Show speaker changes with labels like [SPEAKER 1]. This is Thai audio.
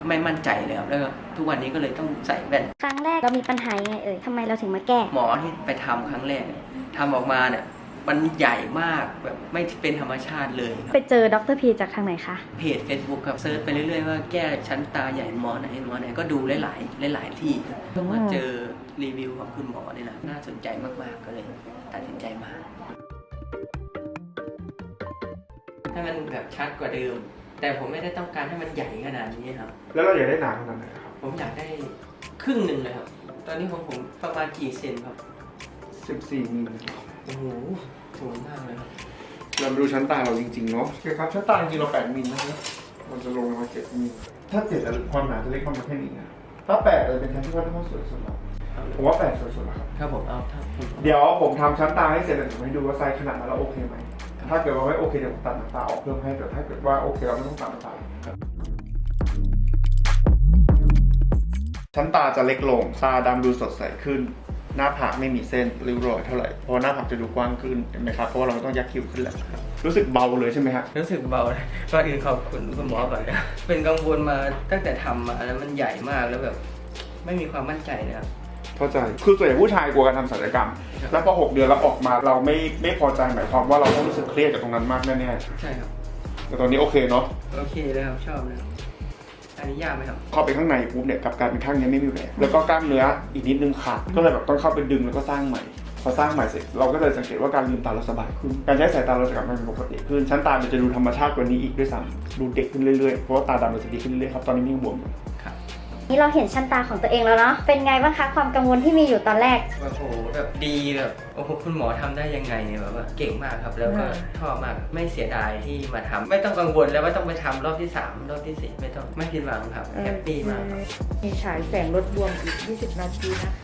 [SPEAKER 1] ไม่มั่นใจเลยครับแล้วก็ทุกวันนี้ก็เลยต้องใส่แว่น
[SPEAKER 2] ครั้งแรกเรามีปัญหายังไงทำไมเราถึงมาแก้
[SPEAKER 1] หมอที่ไปทำครั้งแรกทำออกมาเนี่ยมันใหญ่มากแบบไม่เป็นธรรมชาติเลย
[SPEAKER 2] ไปเจอดร.พีจากทางไหนคะ
[SPEAKER 1] เพจ Facebook ครับเซิร์ชไปเรื่อยๆว่าแก้ชั้นตาใหญ่หมอไหนก็ดูหลายที่เพิ่งมาเจอรีวิวของคุณหมอนี่แหละน่าสนใจมากๆก็เลยตัดสินใจมาให้มันแบบชัดกว่าเดิมแต่ผมไม่ได้ต้องการให้มันใหญ่ขนาดนี้ครับ
[SPEAKER 3] แล้วเราอยากได้หนาขนาดไหนครับ
[SPEAKER 1] ผมอยากได้ครึ่งหนึ่งเลยครับตอนนี้ของผมประมาณกี่เซนครับ
[SPEAKER 3] 14 มิล
[SPEAKER 1] โอ้โหสูงมากเลยครับ
[SPEAKER 3] เรามาดูชั้นตาเราจริงๆเนาะโอเคครับชั้นตาจริงๆเรา8 มิลนะครับมันจะลงมา7 มิลถ้า7ความหนาจะเล็กประมาณแค่นี้นะถ้า8เลยเป็นชั้นที่ค่อนข้างสวยสุดแล้วผมว่า8สวยสุดแล้วครับ
[SPEAKER 1] ครับผมเอาถ้า
[SPEAKER 3] เดี๋ยวผมทำชั้นตาให้เสร็จแล้วผมให้ดูว่าไซส์ขนาดนั้นเราโอเคไหมถ้าเกิดว่าไม่โอเคเดี๋ยวผมตัดหนังตาออกเพิ่มให้แต่ถ้าเกิดว่าโอเคเราไม่ต้องตัดหนังตาชั้นตาจะเล็กลงตาดำดูสดใสขึ้นหน้าผากไม่มีเส้นริ้วรอยเท่าไหร่เพราะหน้าผากจะดูกว้างขึ้นเห็นไหมครับเพราะว่าเราไม่ต้องยักคิ้วขึ้นแล้วรู้สึกเบาเลยใช่ไหมฮะ
[SPEAKER 1] รู้สึกเบาเลยก่อนอื่นขอบคุณคุณหมอก่อนนะเป็นกังวลมาตั้งแต่ทำมาแล้วมันใหญ่มากแล้วแบบไม่มีความมั่นใจนะครับ
[SPEAKER 3] เข้าใจคือส่วนใหญ่ผู้ชายกลัวการทำศัลยกรรมแล้วพอ6 เดือนแล้วออกมาเราไม่พอใจหมายความว่าเราต้องรู้สึกเครียดกับตรงนั้นมากแน่
[SPEAKER 1] ๆใช่ครับ
[SPEAKER 3] แต่ตอนนี้โอเคเนาะ
[SPEAKER 1] โอเคเลยครับชอบเลยอันนี้ยากไหมครับ
[SPEAKER 3] เข้าไปข้างในปุ๊บเนี่ยกับการเป็นข้างนี้ไม่มีแผลแล้วก็กล้ามเนื้ออีกนิดนึงขาดก็เลยแบบต้องเข้าไปดึงแล้วก็สร้างใหม่พอสร้างใหม่เสร็จเราก็เลยสังเกตว่าการลืมตาเราสบายขึ้นการใช้สายตาเราจะกลับมาเป็นปกติขึ้นชั้นตามันจะดูธรรมชาติกว่านี้อีกด้วยซ้ำดูเด็กขึ้นเรื่อยๆเพราะว่าตาดำมันจะดีขึ้นเรื่อยๆครับตอนนี้ยังบวมอยู่
[SPEAKER 2] นี่เราเห็นชั้นตาของตัวเองแล้วเนาะเป็นไงบ้างคะความกังวลที่มีอยู่ตอนแรก
[SPEAKER 1] โอ้โหแบบดีแบบโอ้โหคุณหมอทำได้ยังไงเนี่ยแบบว่าเก่งมากครับแล้วก็ชอบมากไม่เสียดายที่มาทำไม่ต้องกังวลแล้วว่าต้องไปทำรอบที่3รอบที่4ไม่ต้องไม่ผิดหวังครับแฮปปี้มาก
[SPEAKER 4] มีฉายแสงลดบวมอีก20 นาทีนะคะ